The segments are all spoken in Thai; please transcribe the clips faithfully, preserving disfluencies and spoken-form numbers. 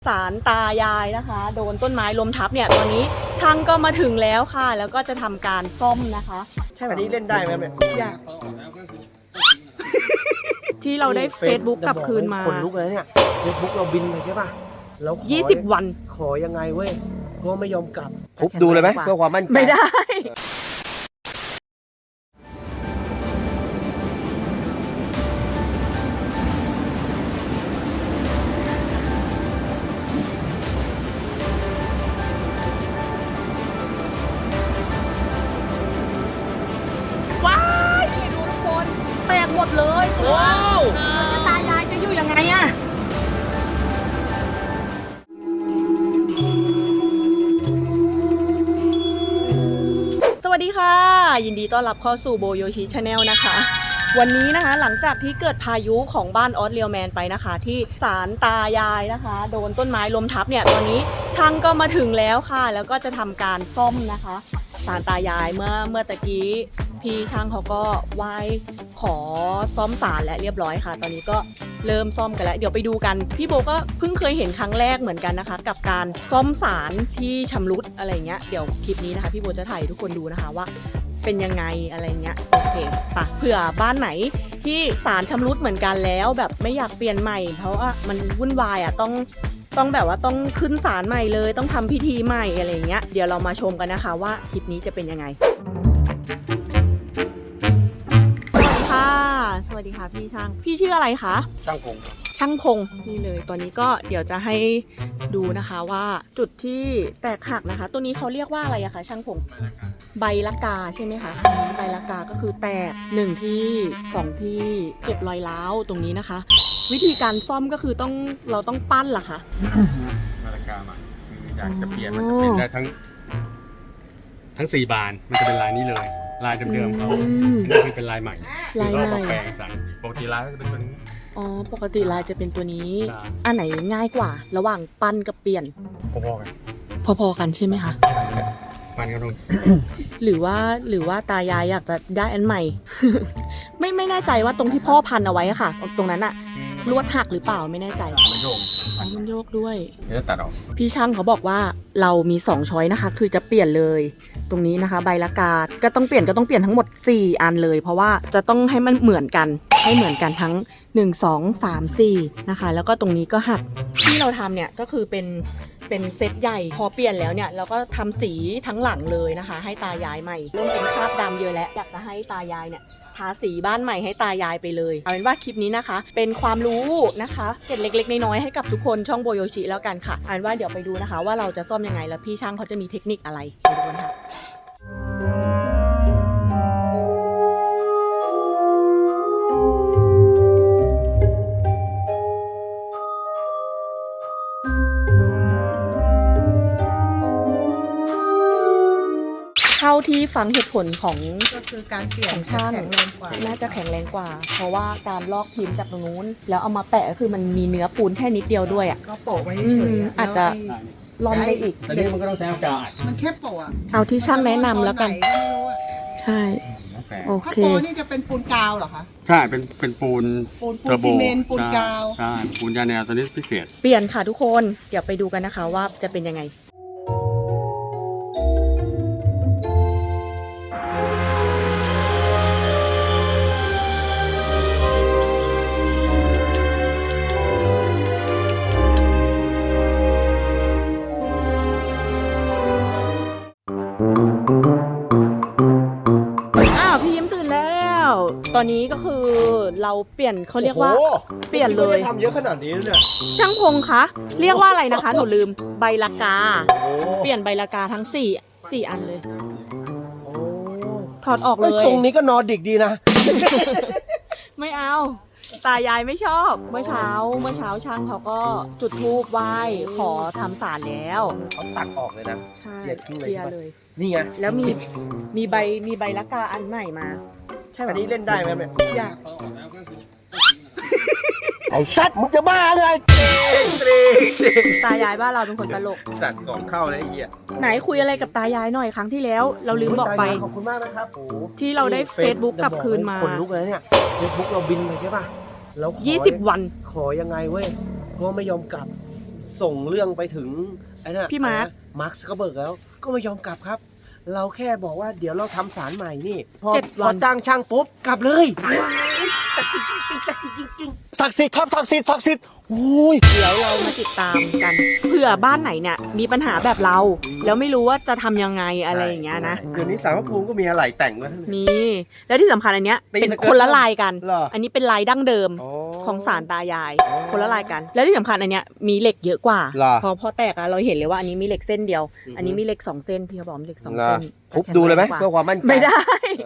ศาลตายายนะคะโดนต้นไม้ล้มทับเนี่ยตอนนี้ช่างก็มาถึงแล้วค่ะแล้วก็จะทำการซ่อมนะคะใช่ไหมอันนี้เล่นได้ไหมเนี่ยอยากที่เราได้ Facebook กลับคืนมาคนลุกเลยเนี่ย Facebook เราบินเลยใช่ป่ะแล้วยี่สิบวันขอยังไงเว้ยก็ไม่ยอมกลับทุบดูเลยไหมเพื่อความมั่นใจไม่ได้ว้ายนี่ดูทุกคนแตกหมดเลยว้าวตายายจะอยู่ยังไงอะสวัสดีค่ะยินดีต้อนรับเข้าสู่โบโยชิชาแนลนะคะวันนี้นะคะหลังจากที่เกิดพายุของบ้านออสเรียลแมนไปนะคะที่ศาลตายายนะคะโดนต้นไม้ล้มทับเนี่ยตอนนี้ช่างก็มาถึงแล้วค่ะแล้วก็จะทำการซ่อมนะคะศาลตายายเมื่อเมื่อตะกี้พี่ช่างเขาก็ไหว้ขอซ่อมศาลและเรียบร้อยค่ะตอนนี้ก็เริ่มซ่อมกันแล้วเดี๋ยวไปดูกันพี่โบก็เพิ่งเคยเห็นครั้งแรกเหมือนกันนะคะกับการซ่อมศาลที่ชำรุดอะไรเงี้ยเดี๋ยวคลิปนี้นะคะพี่โบจะถ่ายทุกคนดูนะคะว่าเป็นยังไงอะไรเงี้ยโอเคปะเผื่อบ้านไหนที่ศาลชำรุดเหมือนกันแล้วแบบไม่อยากเปลี่ยนใหม่เพราะว่ามันวุ่นวายอ่ะต้องต้องแบบว่าต้องขึ้นศาลใหม่เลยต้องทำพิธีใหม่อะไรเงี้ยเดี๋ยวเรามาชมกันนะคะว่าคลิปนี้จะเป็นยังไงสวัสดีค่ะพี่ช่างพี่ชื่ออะไรคะช่างพงช่างพงนี่เลยตอนนี้ก็เดี๋ยวจะให้ดูนะคะว่าจุดที่แตกหักนะคะตัวนี้เขาเรียกว่าอะไรอะคะช่างพงใบละกาใช่ไหมคะใบละกาก็คือแตกหนึ่งที่สองที่เก็บรอยร้าวตรงนี้นะคะวิธีการซ่อมก็คือต้องเราต้องปั้นเหรอคะใบละกาใหม่คืออยากจะเปลี่ยนมันจะเปลี่ยนได้ทั้งทั้งสี่บานมันจะเป็นลายนี้เลยลายเดิมๆเขาอันนี้เป็นลายใหม่ลายใหม่แปลงสั่งปกติลายก็จะเป็นตัวนี้อ๋อปกติลายจะเป็นตัวนี้อันไหนง่ายกว่าระหว่างปั้นกับเปลี่ยนพอๆกันพอๆกันใช่ไหมคะปั้นกันตรงหรือว่าหรือว่าตายายอยากจะได้อันใหม่ ไม่ไม่แน่ใจว่าตรงที่พ่อพันเอาไว้อะค่ะตรงนั้นอะลวดหักหรือเปล่าไม่แน่ใจมันโยกมันโยกด้วยเดี๋ยวตัดออกพี่ช่างเขาบอกว่าเรามีสองช้อยนะคะคือจะเปลี่ยนเลยตรงนี้นะคะใบละกาก็ต้องเปลี่ยนก็ต้องเปลี่ยนทั้งหมดสี่อันเลยเพราะว่าจะต้องให้มันเหมือนกันให้เหมือนกันทั้งหนึ่ง สอง สาม สี่นะคะแล้วก็ตรงนี้ก็หักที่เราทำเนี่ยก็คือเป็นเป็นเซตใหญ่พอเปลี่ยนแล้วเนี่ยเราก็ทำสีทั้งหลังเลยนะคะให้ตายายใหม่เริ่มเป็นคราบดำเยอะแล้วอยากจะให้ตายายเนี่ยทาสีบ้านใหม่ให้ตายายไปเลยเอาเป็นว่าคลิปนี้นะคะเป็นความรู้นะคะเกร็ดเล็กๆน้อยๆให้กับทุกคนช่องโบโยชิแล้วกันค่ะเอาเป็นว่าเดี๋ยวไปดูนะคะว่าเราจะซ่อมยังไงแล้วพี่ช่างเขาจะมีเทคนิคอะไรไปดูกันค่ะเท่าที่ฟังเหตุผลของก็คือการเปลี่ยนของช่างน่าจะแข็งแรงกว่าเพราะว่าการลอกพิมพ์จากตรงนู้นแล้วเอามาแปะก็คือมันมีเนื้อปูนแค่นิดเดียวด้วยอ่ะก็โปะไว้เฉยๆอาจจะลอมได้อีกตอนนี้มันก็ต้องใช้อากาศมันแค่โปะเอาที่ช่างแนะนำแล้วกันใช่โอเคถ้าโปะนี่จะเป็นปูนกาวเหรอคะใช่เป็นเป็นปูนปูนปูนซีเมนต์ปูนกาวใช่ปูนยาแนวตัวนี้พิเศษเปลี่ยนค่ะทุกคนเดี๋ยวไปดูกันนะคะว่าจะเป็นยังไงตอนนี้ก็คือเราเปลี่ยนเขาเรียกว่าเปลี่ยนเลยทำเยอะขนาดนี้เนี่ยช่างพงคะเรียกว่าอะไรนะคะหนูลืมใบละกาเปลี่ยนใบละกาทั้งสี่สี่อันเลยถอดออกเลยทรงนี้ก็นอร์ดิกดีนะไม่เอาตายายไม่ชอบเมื่อเช้าเมื่อเช้าช่างเขาก็จุดธูปไหว้ขอทำศาลแล้วเขาตัดออกเลยนะใช่เจียเลยนี่ไงแล้วมีมีใบมีใบละกาอันใหม่มาใช่ไหมอันนี้เล่นได้ไหมเนี่ยอยากไอ้ชัดมึงจะบ้าเลยตายายบ้านเราเป็นคนตลกตัดของเข้าเลยไอ้เหี้ยไหนคุยอะไรกับตายายหน่อยครั้งที่แล้วเราลืมบอกไปขอบคุณมากนะครับโอ้ที่เราได้ Facebook กลับคืนมาคนลุกเลยเนี่ย Facebook เราบินเลยใช่ป่ะแล้วยี่สิบวันขอยังไงเว้ยก็ไม่ยอมกลับส่งเรื่องไปถึงไอ้นั่นพี่มาร์คมาร์คซักเคอร์เบิร์กแล้วก็ไม่ยอมกลับครับ เราแค่บอกว่าเดี๋ยวเราทำสารใหม่นี่พอเจ็ดพวัอน จ้างช่างปุ๊บกลับเลยศักดิ์สิทธิ์ครับศักดิ์สิทธิ์ศักดิ์สิทธิ์โอ้ยเดี๋ยวเรามาติดตามกันเผื่อบ้านไหนเนี่ยมีปัญหาแบบเรา แล้วไม่รู้ว่าจะทำยังไงอะไรอย่างเงี้ยนะเดี๋ยวนี้สารพระภูมิก็มีอะไรแต่งไว้ทั้งนั้นมีแล้วที่สำคัญอันเนี้ยตีเป็นสเกิร์ตคนละลายกันเหรออันนี้เป็นลายดั้งเดิมอ๋อของสารตายายอ๋อคนละลายกัน แล้วที่สำคัญอันเนี้ยมีเหล็กเยอะกว่าเหรอพอพอแตกอะเราเห็นเลยว่าอันนี้มีเหล็กเส้นเดียวอือฮึอันนี้มีเหล็กสองเส้นพี่เขาบอกมีเหล็กสองเหรอเส้นทุบดูเลยไหมแข็งแรงกเพื่อความมั่นใจไม่ได้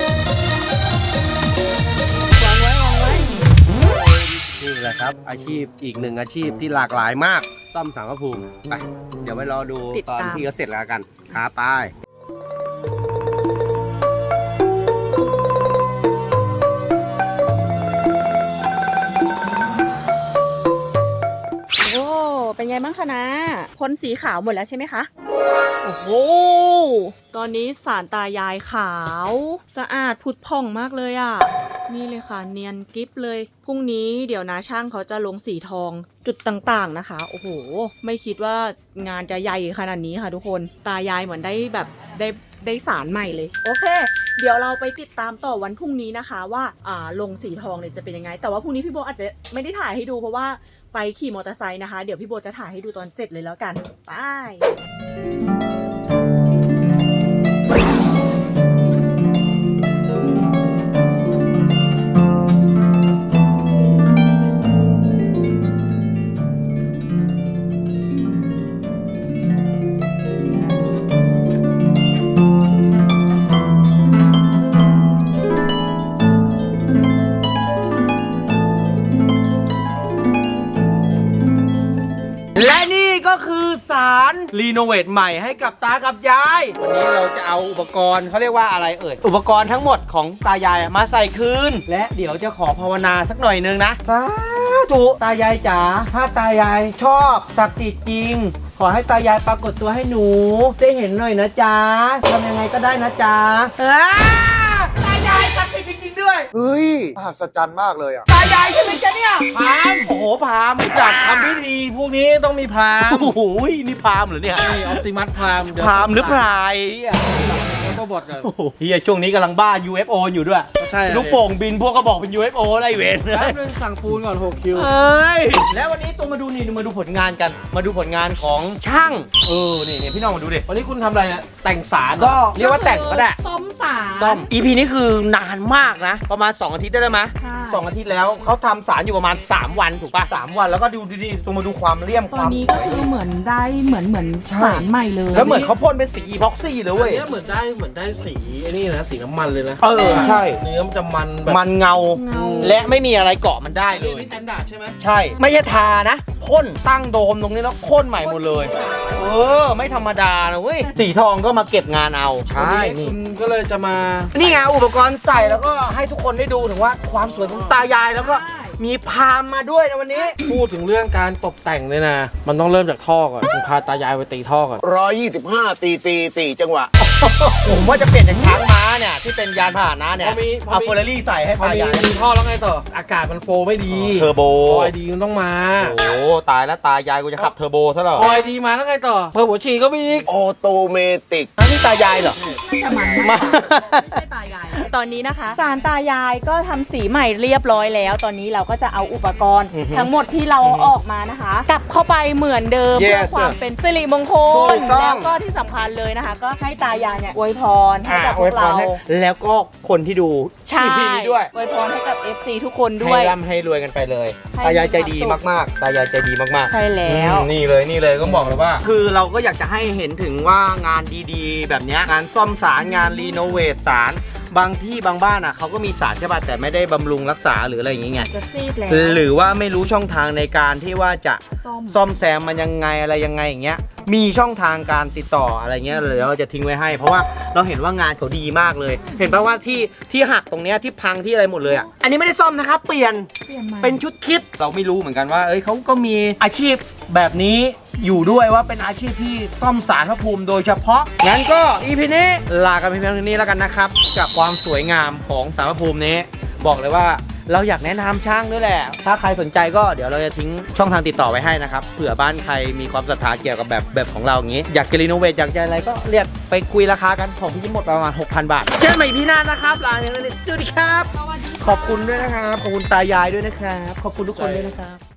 วางไว้วางไว้นี่แหละครับ อาชีพอีกหนึ่งอาชีพที่หลากหลายมากซ่อมสารพระภูมิไปเดี๋ยวไปรอดูตอนที่เขาเสร็จแล้วกันครับไปโอ้เป็นไงบ้างคะนะพ่นสีขาวหมดแล้วใช่ไหมคะโอ้โหตอนนี้สารตายายขาวสะอาดผุดผ่องมากเลยอ่ะนี่เลยค่ะเนียนกิ๊บเลยพรุ่งนี้เดี๋ยวนะช่างเขาจะลงสีทองจุดต่างๆนะคะโอ้โหไม่คิดว่างานจะใหญ่ขนาดนี้ค่ะทุกคนตายายเหมือนได้แบบได้ได้สารใหม่เลยโอเคเดี๋ยวเราไปติดตามต่อวันพรุ่งนี้นะคะว่าอ่าลงสีทองเนี่ยจะเป็นยังไงแต่ว่าพรุ่งนี้พี่โบอาจจะไม่ได้ถ่ายให้ดูเพราะว่าไปขี่มอเตอร์ไซค์นะคะเดี๋ยวพี่โบจะถ่ายให้ดูตอนเสร็จเลยแล้วกันไปและนี่ก็คือสารรีโนเวทใหม่ให้กับตากับยาย วันนี้เราจะเอาอุปกรณ์เขาเรียกว่าอะไรเอ่ย อุปกรณ์ทั้งหมดของตายายมาใส่คืน และเดี๋ยวจะขอภาวนาสักหน่อยนึงนะสาธุตายายจ๋าถ้าตายายชอบศักดิ์สิทธิ์จริง ขอให้ตายายปรากฏตัวให้หนูได้เห็นหน่อยนะจ๊ะทำยังไงก็ได้นะจ๊ะอ้าตายายศักดิ์สิทธิ์จริงๆด้วยเฮ้ยมหัศจรรย์มากเลยอ่ะตายายใช่ไหมจ๊ะเนี่ยพรามโอ้โหพรามจัดทำพิธีพวกนี้ต้องมีพรามโอ้โหนี่พรามเหรอเนี่ยนี่ออปติมัสพรามพรามหรือพรายอ่ะแล้วก็บทเลยโอ้โหเฮียช่วงนี้กำลังบ้า ยู เอฟ โอ อยู่ด้วยใช่ลูกโป่งบินพวกก็บอกเป็น ยู เอฟ โอ อะไรเวรแป๊บนึงสั่งปูนก่อนหกคิวเอ้ยแล้ววันนี้ตัวมาดูนี่มาดูผลงานกัน มาดูผลงานของช่างเออนี่นี่พี่น้องมาดูดิวันนี้คุณทำอะไรเนี่ยแต่งสารก็เรียกว่าแต่งก็ได้ซ่อมสารซ่อม อี พี นี้คือนานมากนะ ประมาณสองอาทิตย์ได้แล้วไหมใช่สองอาทิตย์แล้วเขาทำสารอยู่ประมาณสามวันถูกป่ะสามวันแล้วก็ดูดีๆตัวมาดูความเลี่ยมตคอนวามนี้ก็คือเหมือนได้เหมือนเหมือนใช่สารใหม่เลยแล้วเหมือนเขาพ่นเป็นสีอีพ็อกซี่เลยอัเว้นยนี้เหมือนได้เหมือนได้สีไอ้นี่นะสีน้ำมันเลยนะเออใช่เนื้อมันจะมันแบบมันเงาเงาและไม่มีอะไรเกาะมันได้เลนี่ยนี่แตนดาร์ดใช่ไหมใช่ ไม่ใช่ทานะพ่นตั้งโดมตรงนี้แล้วพ่นใหม่หมดเลย เออ ไม่ธรรมดานะเว้ย สีทองก็มาเก็บงานเอา ใช่วันนี้นี่คุณก็เลยจะมานี่ไงอุปกรณ์ใส่แล้วก็ให้ทุกคนได้ดูถึงว่าความสวยของตายายแล้วก็มีพามมาด้วยในวันนี้พูดถึงเรื่องการตกแต่งเลยนะ มันต้องเริ่มจากท่อก่อนคุณพาตายายไปตีท่อก่อนร้อยยี่สิบห้าตีตีสี่จังหวะผมว่าจะเปลี่ยนจากช้างม้าเนี่ยที่เป็นยานพาหนะเนี่ยพอมีพอมีเอาเฟอร์รารี่ใส่ให้พอตามียายมีท่อแล้วไงต่อ อากาศมันโฟไม่ดีเทอร์โบคอยดีมันต้องมาโอ้ตายแล้วตายายกูจะขับเทอร์โบซะเหรอคอยดีมาแล้วไงต่อ เพิ่มหัวฉี่ก็มีอีกออโตเมติกอันนี้ตายายเหรอน่าจะมันมากกว่าไม่ใช่ตายายตอนนี้นะคะสารตายายก็ทำสีใหม่เรียบร้อยแล้ว ตอนนี้เราก็จะเอาอุปกรณ์อือฮึทั้งหมดที่เราออกมานะคะ กลับเข้าไปเหมือนเดิม Yes เพื่อความเป็นสิริมงคถูลกต้องแล้วก็ที่สำคัญเลยนะคะ ก็ให้ตายายเนี่ยอวยพรให้อ่ากับพอววยกพรเราให้แล้วก็คนที่ดูใช่อี พี นี้ด้วยอวยพรให้กับ เอฟ ซี ทุกคนด้ให้วยร่ำให้รวยกันไปเลยให้ตายายใจดีมีความสุขมากๆ ตายายใจดีมากๆใช่แล้วอืมนี่เลยนี่เลยก็บอกเลยว่า คือเราก็อยากจะให้เห็นถึงว่างานดีๆ แบบเนี้ยงานซ่อมสารงานรีโนเวทสารบางที่บางบ้านอ่ะเขาก็มีสารใช่ป่ะแต่ไม่ได้บำรุงรักษาหรืออะไรอย่างเงี้ยจะซีดแล้วหรือว่าไม่รู้ช่องทางในการที่ว่าจะซ่อมซ่อมแซมมันยังไงอะไรยังไงอย่างเงี้ยมีช่องทางการติดต่ออะไรเงี้ยเดี๋ยวเราจะทิ้งไว้ให้ เพราะว่าเราเห็นว่างานเขาดีมากเลย เห็นป่ะว่าที่ที่หักตรงเนี้ยที่พังที่อะไรหมดเลยอ่ะอันนี้ไม่ได้ซ่อมนะครับเปลี่ยนเปลี่ยนใหม่เป็นชุดคิดเราไม่รู้เหมือนกันว่า เอ้ยเขาก็มีอาชีพแบบนี้อยู่ด้วยว่าเป็นอาชีพที่ซ่อมสารพระภูมิโดยเฉพาะงั้นก็ อี พี นี้ลากันเพียงเท่านี้แล้วกันนะครับกับความสวยงามของสารพระภูมินี้บอกเลยว่าเราอยากแนะนำช่างด้วยแหละ ถ้าใครสนใจก็เดี๋ยวเราจะทิ้งช่องทางติดต่อไว้ให้นะครับเผื่อบ้านใครมีความศรัทธาเกี่ยวกับแบบแบบของเราอย่างนี้อยากจะรีโนเวทอยากจะอะไรก็เรียกไปคุยราคากันของพี่ยิ้มหมดประมาณ หกพัน บาทเจอกันใหม่พี่หน้านะครับลาอย่างนี้สวัสดีครับขอบคุณด้วยนะครับขอบคุณตายายด้วยนะครับขอบคุณทุกคนด้วยนะครับ